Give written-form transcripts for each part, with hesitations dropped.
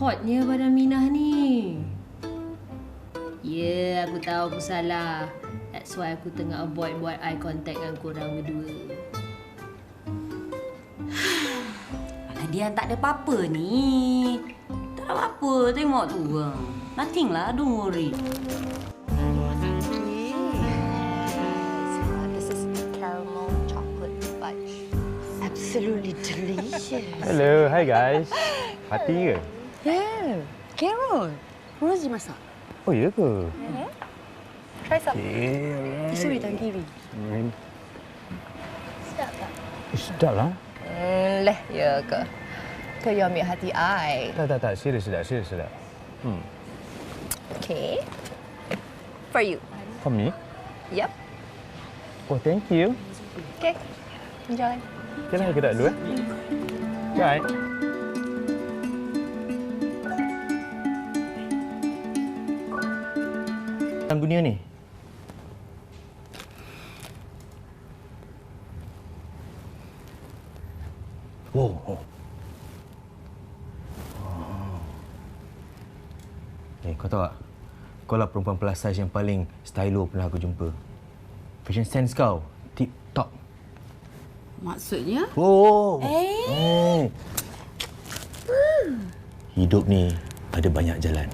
hotnya badan Minah ni. Ya, aku tahu aku salah. That's why aku tengah avoid buat eye contact dengan korang berdua. Alah, Dian tak ada apa-apa ni. Tak ada apa-apa, tengok tu. Nothing lah, don't worry. This is caramel chocolate fudge. Absolutely delicious. Hello, hi guys. Hati ke? Yeah, Carol. Rosie masak. Oh, ya ke? Try some. Okay, Tisu di tangan kiri. Sedap tak? Sedap lah. Leh, ya ke? Ke you ambil hati I? Tak. Serius sedap. Okay. For you. For me? Yep. Oh, thank you. Okay. Enjoy. Okay lah, kita dulu Bye. Dalam dunia ni, oh. Kau tahu tak? Kau lah perempuan plus size yang paling stylo pernah aku jumpa. Fashion sense kau, tip-top. Maksudnya? Oh. Hidup ni ada banyak jalan.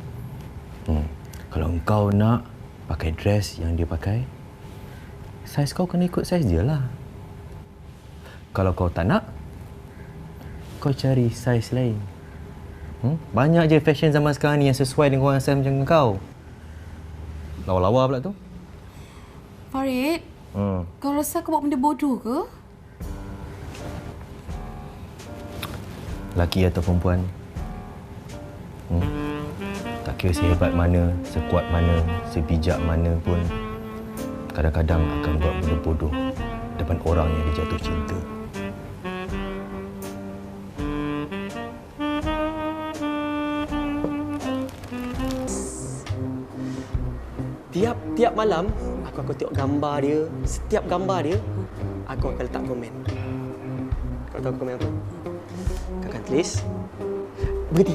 Kalau engkau nak pakai dress yang dia pakai, saiz kau kena ikut saiz dia lah. Kalau kau tak nak, kau cari saiz lain. Banyak je fashion zaman sekarang ni yang sesuai dengan orang saiz macam kau. Lawa-lawa pula tu. Farid, kau rasa aku buat benda bodoh ke? Lelaki atau perempuan, tak kira sehebat mana, sekuat mana, sebijak mana pun, kadang-kadang akan buat benda bodoh depan orang yang dia jatuh cinta. Tiap malam, aku akan tengok gambar dia. Setiap gambar dia, aku akan letak komen. Kau tahu komen apa? Kau akan tulis, berhenti.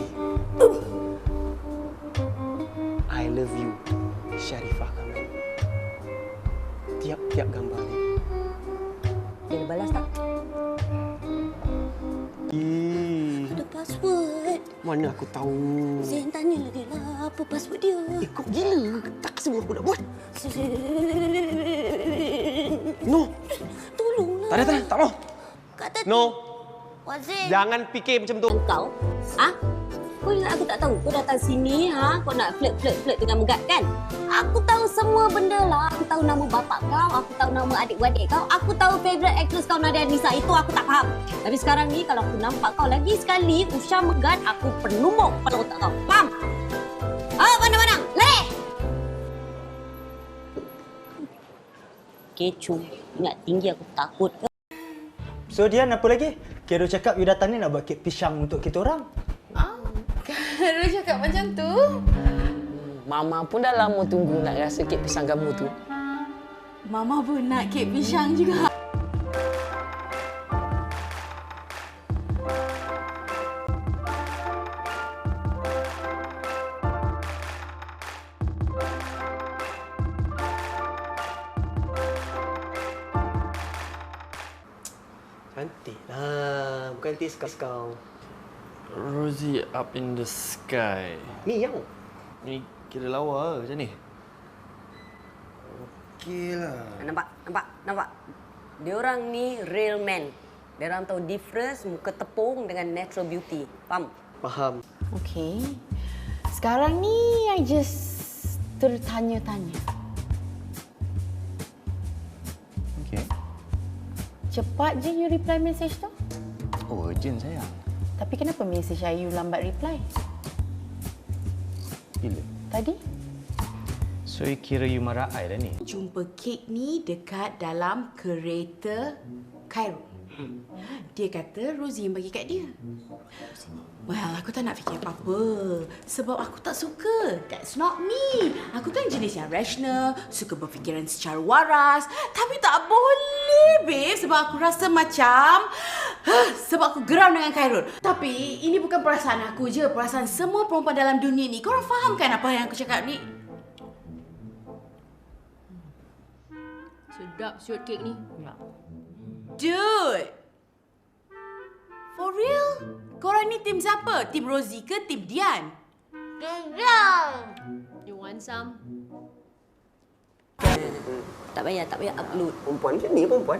I love you, Sharifah Kamal. Tiap-tiap gambar dia. Dia balas tak? Ada password. Mana aku tahu? Zain tanyalah dia lah apa password dia. Kau gila. Tak semua aku nak buat. No. Tolonglah. Tak ada. Tak mau. Kata No. Wazir. Jangan fikir macam tu. Kau? Kau ingat aku tak tahu? Kau datang sini, kau nak flirt dengan Megat kan? Aku tahu semua benda lah. Aku tahu nama bapak kau, aku tahu nama adik-beradik kau, aku tahu favourite actress kau Nadia Nisa. Itu aku tak faham. Tapi sekarang ni kalau aku nampak kau lagi sekali Usha Megat, aku penumbuk pada otak kau. Faham? Pandang-pandang. Lari! Kecoh. Ingat tinggi aku takut. So Dian, apa lagi? Kira cakap you datang ni nak buat kek pisang untuk kita orang. Karo cakap macam tu? Mama pun dah lama tunggu nak rasa kek pisang kamu tu. Mama pun nak kek pisang juga. Cantik lah. Bukan tis kau. Rosie up in the sky. Ni yang. Ni kira lawa macam ni. Okeylah. Nampak. Diorang ni real man. Diorang tahu difference muka tepung dengan natural beauty. Faham? Faham. Okay. Sekarang ni I just tertanya-tanya. Okey. Cepat je you reply message tu. Oh, urgent sayang. Tapi kenapa message I you lambat reply? Bila? Tadi? So, you kira you marah I dah ni? Jumpa kek ni dekat dalam kereta Cairo. Dia kata Rosie yang bagi kat dia. Well, aku tak nak fikir apa-apa. Sebab aku tak suka. That's not me. Aku kan jenis yang rational, suka berfikiran secara waras. Tapi tak boleh, babe. Sebab aku rasa macam... sebab aku geram dengan Khairul. Tapi ini bukan perasaan aku je. Perasaan semua perempuan dalam dunia ni. Korang faham kan apa yang aku cakap ni? Sedap shoot kek ni. Dude! For real? Korang ni tim siapa? Tim Rosie ke tim Dian? You want some? Tak payah upload. Perempuan macam ni perempuan.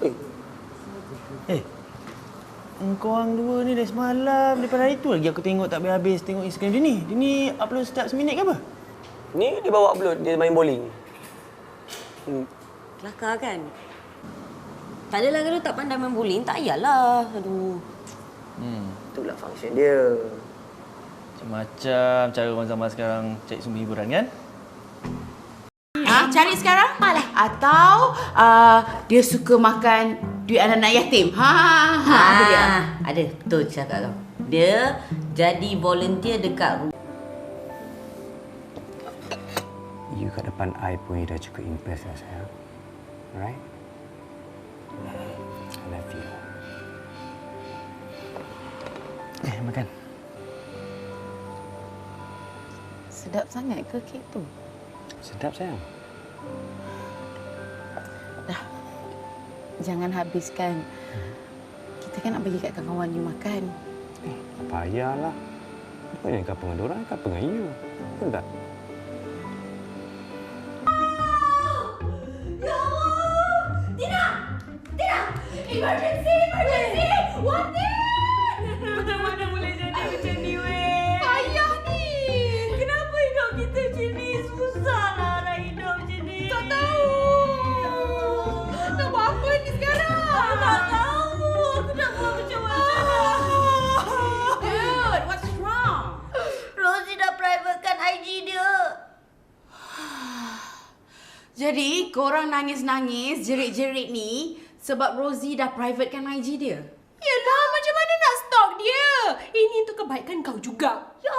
Engkau orang dua ni dah semalam. Daripada hari tu lagi aku tengok tak habis-habis tengok Instagram dia ni. Dia ni upload setiap seminit ke apa? Ni dia bawa upload, dia main bowling. Kelakar kan? Tak adalah kalau tak pandai main bowling, tak payahlah. Aduh. Itulah function dia. Macam-macam cara orang zaman sekarang cari sumber hiburan kan? Cari sekarang? Atau dia suka makan duit anak-anak yatim? Apa dia? Ada, betul cakap kau. Dia jadi volunteer dekat You kat depan I pun dah cukup impress lah saya. Alright? I love you. Makan. Sedap sangat ke kek tu? Sedap sayang. Jangan habiskan. Kita kan nak bagi kat kawan-kawan you makan. Tak payahlah. Bukannya kau dengan diorang, kau dengan you. Betul tak? Emergency! Watin! Macam mana boleh jadi macam ni, weh? Payah ni! Kenapa hidup kita macam ni? Susahlah nak hidup macam ni. Tak tahu! Nak buat apa ni sekarang? Aku tak tahu! Aku nak buat macam mana? Dude, what's wrong? Rosie dah privatekan IG dia. Jadi, korang nangis-nangis, jerit-jerit ni sebab Rosie dah privatekan IG dia? Yelah, macam mana nak stalk dia? Ini untuk kebaikan kau juga. Ya.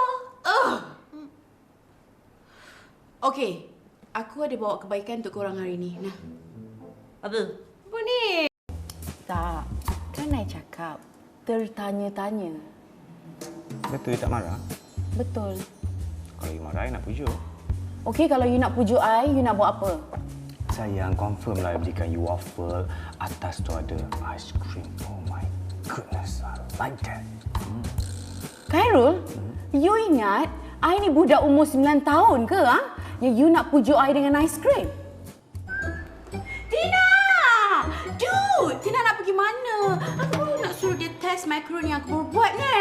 Okey, aku ada bawa kebaikan untuk korang hari ni. Nah. Apa? Apa ni? Tak. Kan I cakap tertanya-tanya. Betul you tak marah? Betul. Kalau you marah, I nak pujuk. Okey, kalau you nak pujuk I, you nak buat apa? Sayang, confirm lah belikan you waffle. Atas tu ada ice cream. Oh my goodness, I like that. Khairul, you ingat I ni budak umur 9 tahun ke? Yang you nak pujuk I dengan ice cream? Tina! Dude, Tina nak pergi mana? Aku baru nak suruh dia test macaroni yang aku baru buat kan?